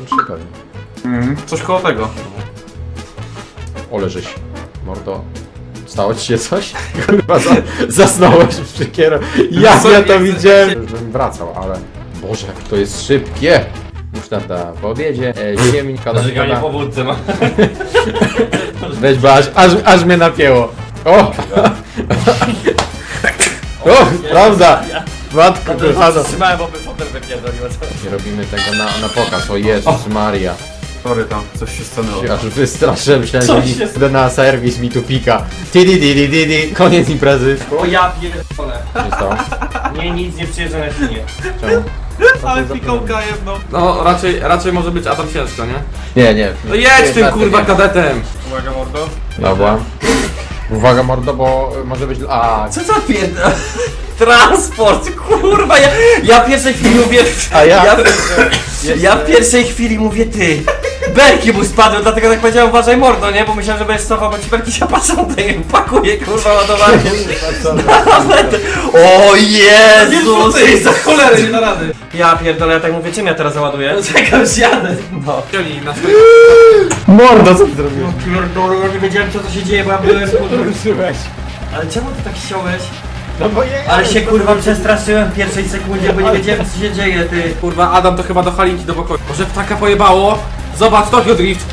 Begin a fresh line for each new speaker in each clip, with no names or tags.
3 pewnie.
Coś koło tego.
Ole żeś, mordo. Stało ci się coś? Kurwa, zasnąłeś przy kierownicy. Ja to widziałem. Już bym wracał, ale... Boże, jak to jest szybkie. Już tata po obiedzie. Ziemnika do
Żyganie po wódce ma.
Weź, bo aż mnie napięło. O! O, prawda! Matko kochana.
Trzymałem, bo by potem wypierdoliło.
Nie robimy tego na pokaz, o Jezus Maria.
Sorry tam, coś się stanęło.
Aż wystraszyłem, myślałem,
Co
że
się
idę na serwis, mi tu pika. Tidi, koniec imprezy.
O ja pierdolę.
Co się stało?
Nie, nic nie przyjeżdża na świnie.
Czemu?
Ale pikołka jedno.
No raczej może być Adam ciężko, nie?
Nie.
No jedź tym kurwa kadetem!
Uwaga mordo.
Dobra. Uwaga mordo, bo może być... A,
Co za pierdolę? Transport, kurwa, ja w pierwszej chwili mówię...
A ja?
Ja w pierwszej chwili mówię ty. Belki mu spadły, dlatego tak powiedziałem uważaj mordo, nie? Bo myślałem, że będziesz cofał, bo ci belki się patrzą, to je pakuje, kurwa, ładowanie. O Jezus!
Ty, za cholerę nie da rady!
Ja pierdolę, ja tak mówię, czym ja teraz załaduję? Czekam, zjadę. No.
Ciągnij na
Mordo, co ty zrobiłeś?
Pierdolę, ja nie wiedziałem co to się dzieje, bo ja byłem
Ruszyłeś.
Ale czemu ty tak chciałeś?
No bo nie.
Ale się kurwa przestraszyłem w pierwszej sekundzie, bo nie wiedziałem co się dzieje, ty.
Kurwa, Adam to chyba do Halinki do pokoju. Może ptaka pojebało? Zobacz, Tokyo Drift!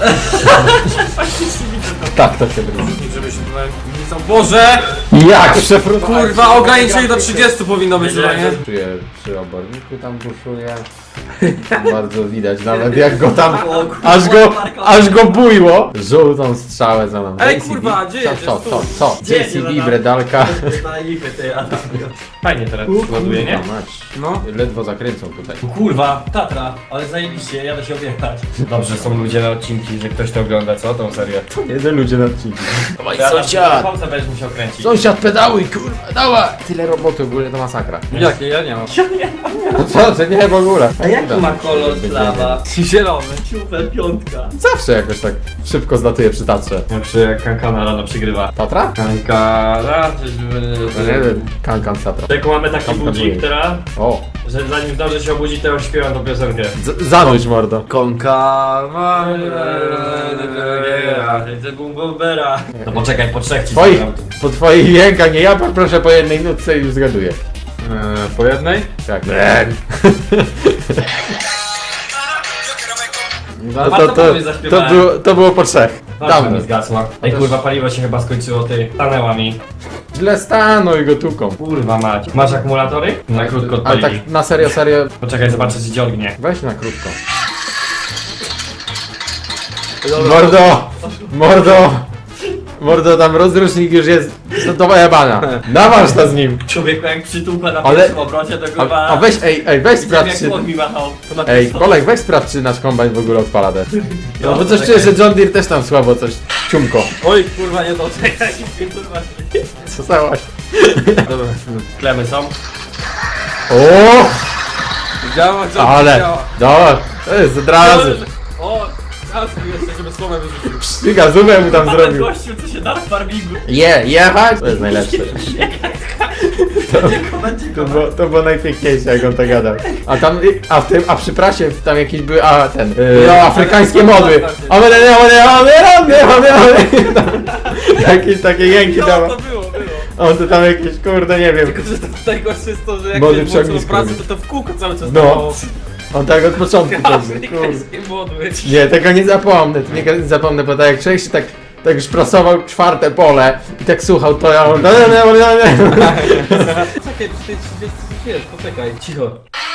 Tak, to się drugi.
Żeby się tutaj nie są. Boże!
Jak przefrutować?
Kurwa, ograniczenie do 30 powinno być chyba, nie?
Czuję przy oborniku tam buszuje. Bardzo widać nawet jak go tam... Aż go bujło. Żółtą strzałę za nami.
Ej, kurwa, gdzie jedziesz?
Co? JCB, bredalka.
Fajnie teraz ładuje, nie?
Mać.
No.
Ledwo zakręcą tutaj.
Kurwa, Tatra, ale zajebiście, jadę się objechać. Dobrze, są ludzie na odcinki, że ktoś to ogląda, co? Tą serię.
Jeden ludzie na odcinku.
Sąsiad! Chłopca będziesz musiał kręcić.
Sąsiad pedałuj, kurwa, dawaj! Tyle roboty, w ogóle to masakra.
Jakie? Ja nie mam.
No co, to nie w ogóle.
A jaki ma kolor plawa?
Zielony.
Ciufel piątka.
Zawsze jakoś tak szybko zlatuje przy Tatrze.
Jak przy Kankana rano przygrywa.
Tatra?
Kankana,
No nie wiem, Kankan z Tatrą.
jak mamy taki
Kankan
budzik
budzik.
teraz,
O,
że zanim zdąży się obudzić, to już śpiewam tą piosenkę.
zanudź mordo.
Konka, no poczekaj, po trzech ci
Twoich,
zagram.
po twoich jękach, nie ja poproszę po jednej nutce i już zgaduję.
Po jednej?
Tak. No
Warto powiedzieć, zaśpiewałem.
to było po trzech.
Dawno
Dawno.
mi zgasła. Ej kurwa, paliwo się chyba skończyło, ty. Stanęła mi.
Źle stanuj go tuką.
Kurwa mać. Masz akumulatory? Na krótko
Ale
odpalili.
tak na serio,
Poczekaj, zobaczę czy dziągnie.
weź na krótko. Mordo, tam rozrusznik już jest do jebana. Naważ to z nim.
Człowieku jak przytupę na
Ale-
pierwszym obrocie, to kurwa...
A weź, weź
Widziałem
sprawdź czy...
jak on mi machał. To na
Ej,
pierwszym-
Kolek, weź sprawdź czy nasz kombajn w ogóle odpala też. No bo coś
czekaj.
czuję, że John Deere też tam słabo coś ciumko.
Oj, kurwa, nie to.
Czekaj, kurwa.
Co stałaś?
Dobra.
Klemy są.
O,
Działa,
ale, dobra, to jest od razu.
O, teraz jeszcze, żeby słomę wyrzucił.
Sztyga, zubę mu tam
Ale
zrobił.
gościu, co się da w farmingu.
Jechać? To jest najlepsze. To było najpiękniejsze, jak on to gadał. A tam, a przy prasie tam jakieś były, afrykańskie modły. Jakieś takie jęki
No,
dawał.
to było.
On to tam jakieś, kurde, nie wiem.
Tylko, że to najgorsze jest to, że jak
Młody
jest włączony
przegnisko
pracę,
robi.
to w kółko cały czas
No.
dawało.
On tak od początku pewnie, kurde.
Afrykańskie modły.
Nie, tego nie zapomnę, nie zapomnę, bo tak jak człowiek się tak już prasował czwarte pole i tak słuchał, to ja...
Czekaj, ty wiesz, poczekaj. Cicho.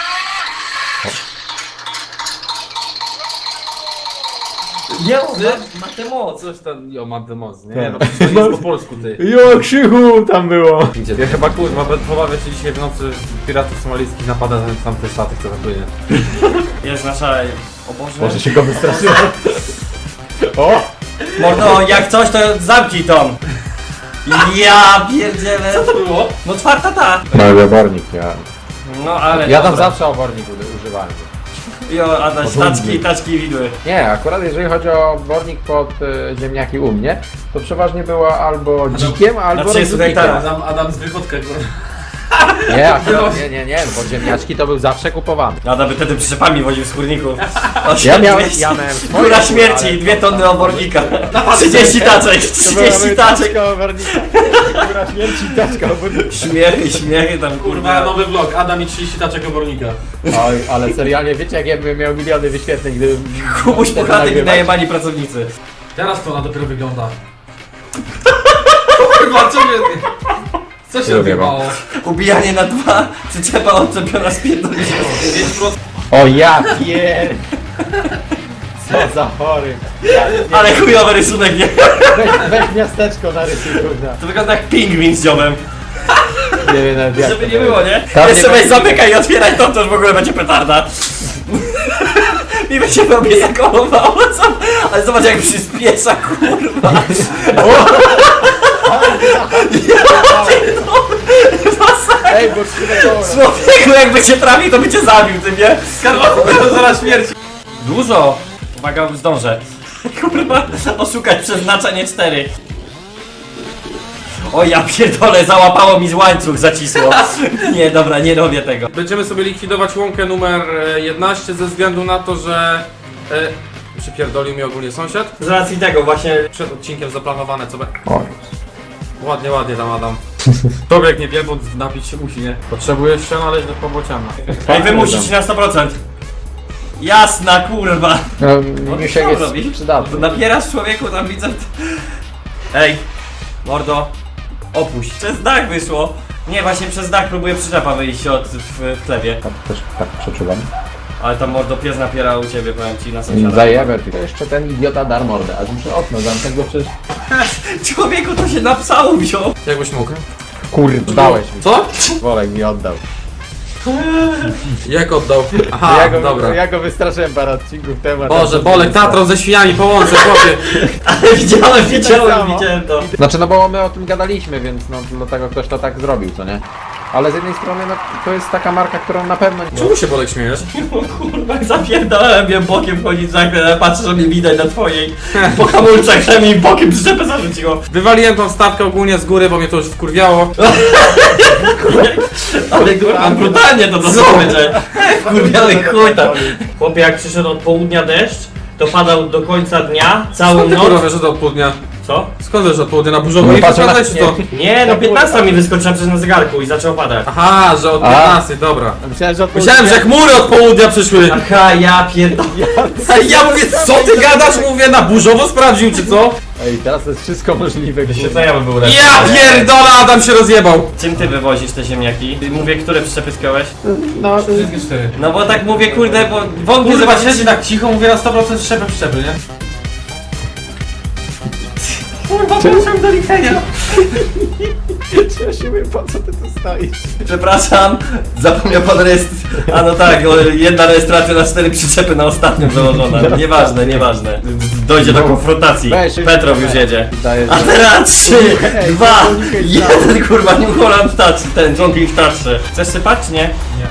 Nie, ma tę moc.
Coś tam, jo, mam tę moc, nie? No, to jest po polsku, ty.
Jo, krzychu tam było.
Ja chyba kurwa, pobawię się dzisiaj w nocy piratów somalijskich napada na tamte statek, co zapłynie.
Jest nasza... O Boże.
Może się go wystraszyło. O!
Mordo, jak coś to zamknij tą. Ja pierdzielę. Co to było? No czwarta ta.
Mały obornik, ja.
No ale
Ja tam
dobra.
zawsze obornik używałem.
Jo, Adaś, taczki widły.
Nie, akurat jeżeli chodzi o obornik pod ziemniaki u mnie, to przeważnie była albo dzikiem, albo
Znaczy, słuchaj,
rozrzutnikiem.
tak.
Adam z wychodka, kurwa.
Nie, akurat nie, bo ziemniaczki to był zawsze kupowany.
Adam by wtedy przyczepami woził z kurników.
Ja miałem swoje,
Góra śmierci
ale-
i 2 tony obornika. 30 taczek, 30 taczek.
Góra śmierci i taczka obornika.
Śmiechy tam
Kurwa,
kurwa.
nowy vlog, Adam i 30 taczek obornika.
Oj, ale serialnie, wiecie jak ja bym miał miliony wyświetleń, gdybym...
Kubuś
wtedy
puchatek i
nagrywać.
najebani pracownicy.
Teraz to ona dopiero wygląda. Kurwa, co się
Lubię
odjebało?
Ubijanie na 2, przyczepa odczepiona z pierdolenia.
5%.
O ja pier... Co za chory.
Ale chujowy rysunek, nie?
Weź miasteczko narysuj, kurwa.
To wygląda jak pingwin z dziobem.
Nie wiem nawet jak
Żeby
to
nie było, nie?
Tam
Jeszcze
nie
weź
będzie-
zamykaj i otwieraj to już w ogóle będzie petarda. Mi by się robię zakolowało, ale zobacz jak przyspiesza, kurwa.
Ej, bo skrzydło.
Człowieku jakby cię trafił, to by cię zabił, ty nie?
To zaraz śmierci.
Dużo! Uwaga, zdążę. Kurwa, oszukać przeznaczenie 4. O ja pierdolę, załapało mi z łańcuch, zacisło. Nie, dobra, nie robię tego.
Będziemy sobie likwidować łąkę numer 11 ze względu na to, że... Przypierdolił mi ogólnie sąsiad.
Z racji tego właśnie...
Przed odcinkiem zaplanowane, co...
Oj.
Ładnie tam Adam. Człowiek nie wielbłąd napić się musi, nie? Potrzebujesz się naleźć do pobociana.
Ej, wymusić na 100%. Jasna, kurwa.
No,
No,
Misiek
co
jest
robisz?
przydatny.
Napierasz człowieku, tam widzę... Ej, mordo, opuść. Przez dach wyszło. Nie, właśnie przez dach próbuję przyczepa wyjść w chlebie.
Też tak przeczuwam.
Ale tam mordo pies napiera u ciebie, powiem ci, na sąsiada.
Zajebę ty. To jeszcze ten idiota dar mordę, aż muszę okno zamknąć, bo przecież...
Człowieku, to się na psału wziął.
Jakbyś mógł?
Kurde, dałeś mi.
Co?
Wolek mi oddał.
Jak oddał? Aha, dobra.
Ja go wystraszyłem parę odcinków temu.
Boże, Bolek, Tatron ze świniami połączę, chłopie.
Ale widziałem
samo.
to.
Znaczy, no bo my o tym gadaliśmy, więc no dlatego ktoś to tak zrobił, co nie? Ale z jednej strony, no to jest taka marka, którą na pewno...
Czemu się Bolek śmiejesz?
Kurwa, zapierdolałem, wiem bokiem wchodzić za chwilę, ale patrzę, że mnie widać na twojej. Po hamulcach, że mi bokiem przyczepę zarzuciło.
Wywaliłem tą stawkę ogólnie z góry, bo mnie to już wkurwiało.
Ale kurwa, brutalnie to będzie. Kurwiały chuj tam. Chłopie, jak przyszedł od południa deszcz, to padał do końca dnia, całą
Skąd ty kurwa
noc.
wiesz, że to od południa?
Co?
Skąd wiesz, że od południa na burzowo?
No
Nie
patrzę na-
patrzę czy to?
Nie, no 15 mi wyskoczyła przez na zegarku i zaczął padać.
Aha, że od
A.
15, dobra.
Myślałem, że
Myślałem, że chmury od południa przyszły.
Aha, ja pierdolę.
A ja mówię, co ty gadasz? Mówię, na burzowo sprawdził, czy co?
Ej, teraz to jest wszystko możliwe.
To ja bym był lepszy.
Ja pierdolę, Adam się rozjebał.
Czym ty wywozisz te ziemniaki? Mówię, które przyczepy skiąłeś?
No,
Wszystkie 4.
No bo tak mówię, kurde, bo wątpię,
Kurwa,
zobaczycie
siedzi tak cicho, mówię na 100% szczepy, nie?
Kurwa, proszę do liczenia.
ja się mówię, po co ty tu stoisz?
Przepraszam, zapomniał pan A no tak, jedna rejestracja na 4 przyczepy na ostatnią założona. Nieważne. Dojdzie do konfrontacji.
Weź,
Petrow już jedzie.
Daję,
A teraz 3,
Ej,
2,
to unikaj
1, kurwa, New Holland Touch, ten John King Touch. Chcesz sypać, czy nie?
Nie.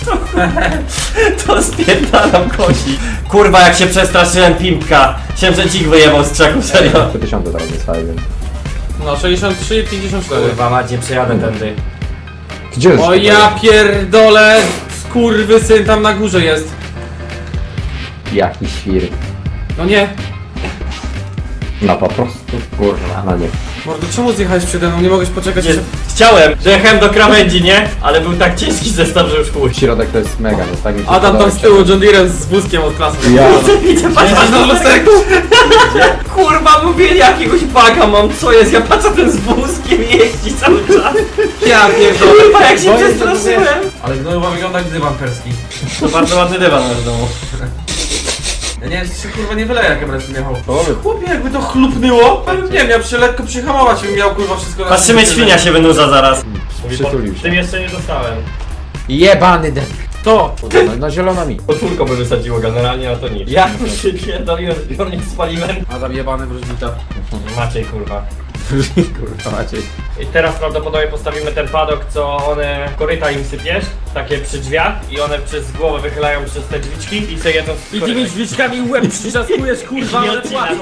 To spierdalam kosi. Kurwa, jak się przestraszyłem pimpka. Chciałem, że dzik wyjebał z krzaków, serio.
3000 teraz dostaję, więc...
No 63 i 54.
Kurwa, macie, przejadę tędy.
Gdzie jest?
O ja pierdolę, skurwysyn tam na górze jest.
Jaki świr.
No nie.
No po prostu, kurwa, no nie.
Mordo, czemu zjechałeś przede mną? Nie mogłeś poczekać
Nie,
jeszcze...
chciałem, dojechałem do krawędzi, nie? Ale był tak ciężki zestaw, że już chuj.
Środek to jest mega, no tak mi się
Adam tam
podoba.
z tyłu John Deere z wózkiem od klasy.
Ja...
Widzę, patrz
na lusterku.
Kurwa, mówili jakiegoś baga mam, co jest? Ja patrzę ten z wózkiem jeździ cały czas.
Ja pierdolę.
Kurwa, jak się
Boję się,
przestraszyłem.
Ale gnojowa wygląda jak dywan perski.
To bardzo ładny dywan masz w domu.
Ja nie wiem, czy się kurwa nie wyleje, jak ja będę jechał.
Połowy.
Chłopie, jakby to chlupnęło, nie wiem, ja się lekko przyhamować i bym miał kurwa wszystko na
Patrzymy,
szybkie.
świnia się wynurza zaraz.
Przytulił się.
Tym jeszcze nie dostałem.
Jebany den.
To!
No zielono mi.
Potwórko by wysadziło generalnie, a to nic. Ja już się pierdoliłem, zbiornik spaliłem.
Adam jebany wróżbita.
Maciej, kurwa.
Kurwa, Maciej.
I teraz prawdopodobnie postawimy ten padok, co one koryta im sypiesz, takie przy drzwiach i one przez głowę wychylają przez te drzwiczki i sobie jedzą z
I tymi drzwiczkami łeb przyczaskujesz, kurwa, ale płacą.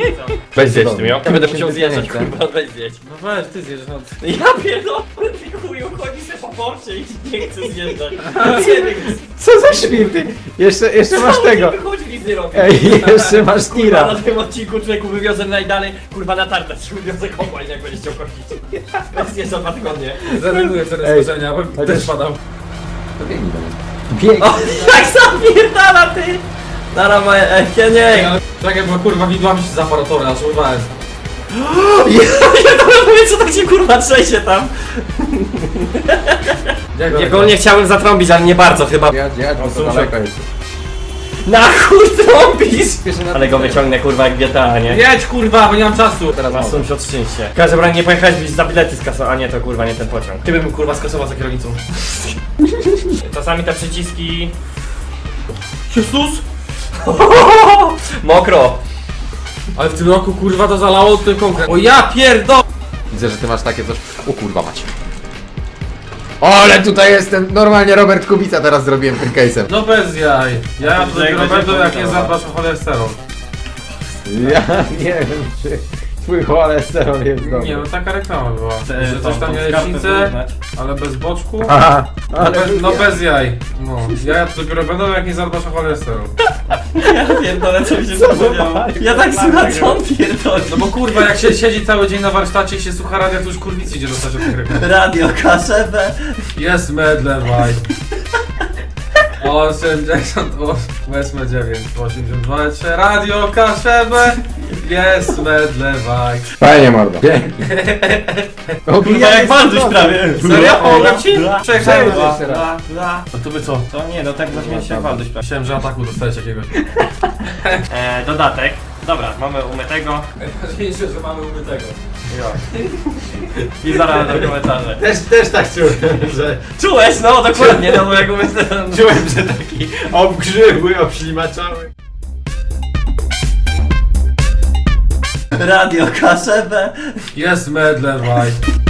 Weź zjeść
to
tym, ja
dobrze.
będę musiał
Się
zjeżdżać,
zjeść,
kurwa, weź zjeść.
No weź, ty zjesz, no.
Ja pierdolę, ty chuj, i uchodzi sobie po porcie i nie chce zjeżdżać.
Co za świrty? Jeszcze masz tego.
Wychodzi, nic nie robi.
Ej, jeszcze masz
Kurwa,
tira.
na tym odcinku człowieku wywiozę najdalej, kurwa na tartę, wywiozę kombajn, jak będziesz chciał kościć. Bez jeszcze 2 tygodnie.
Zrezygnuję z
Ej,
rozważenia, bo
chociaż-
też padał.
To biegnij do mnie. Biegnij.
O, jak zapierdala ty! Dara moje, nie.
Czekaj, bo kurwa widłami się z aparatury, aż urwałem.
Ja to mówię, co tak się kurwa trzęsie tam.
Jak
Ja go nie chciałem zatrąbić, ale nie bardzo chyba.
Jadź, bo to
sąsiad.
daleko jest.
Na chuj trąbisz!
Spieszę na
Ale go wyciągnę kurwa jak GTA, nie?
Jedź kurwa, bo nie mam czasu.
Teraz
Masz
mogę.
sąsiad szczęście. W każdym razie nie pojechałeś byś za bilety skasował, a nie to kurwa nie ten pociąg.
Ty bym kurwa skasował za kierownicą.
Czasami te przyciski...
Jezus!
Mokro!
Ale w tym roku kurwa to zalało ten konkret. O ja pierdol!
Widzę, że ty masz takie coś. O kurwa macie. O, ale tutaj jestem. Normalnie Robert Kubica teraz zrobiłem tym case'em.
No bez jaj. Ja
Że
dopiero
będzie
będę jak nie
powiedziała.
zadbasz o cholesterol.
Ja nie wiem, czy twój cholesterol jest dobry.
Nie no taka reklama była. Że coś tam jajecznicę, ale bez boczku.
Aha,
No bez jaj. No. Ja dopiero będę jak nie zadbasz o cholesterol.
Ja pierdolę, co mi się zapomniało. Ja tak słucham, co on pierdoli.
No bo kurwa jak się siedzi cały dzień na warsztacie i się słucha radia, to już kurwicy idzie dostać od tych reklam.
Radio KSB.
Jest medlewaj. 88, 9, 82, Radio Kaszebę. Jest medlewaj.
Fajnie mordo. Pięknie. O,
Kurwa jak Walduś prawie.
Serio? Powiem ci? Przejechałem.
Jeszcze raz.
No to by co?
To nie, no tak zaśmieć się jak Walduś prawie.
Myślałem, że ataku dostałeś jakiegoś.
Dodatek. Dobra, mamy umytego.
Najważniejsze, że mamy umytego.
I zaraz do komentarze.
Też tak czułem, że
Czułeś? No dokładnie, no bo jak umyte...
czułem, że taki obgrzywły, obślimaczały.
Radio KSB.
Jest medlewaj.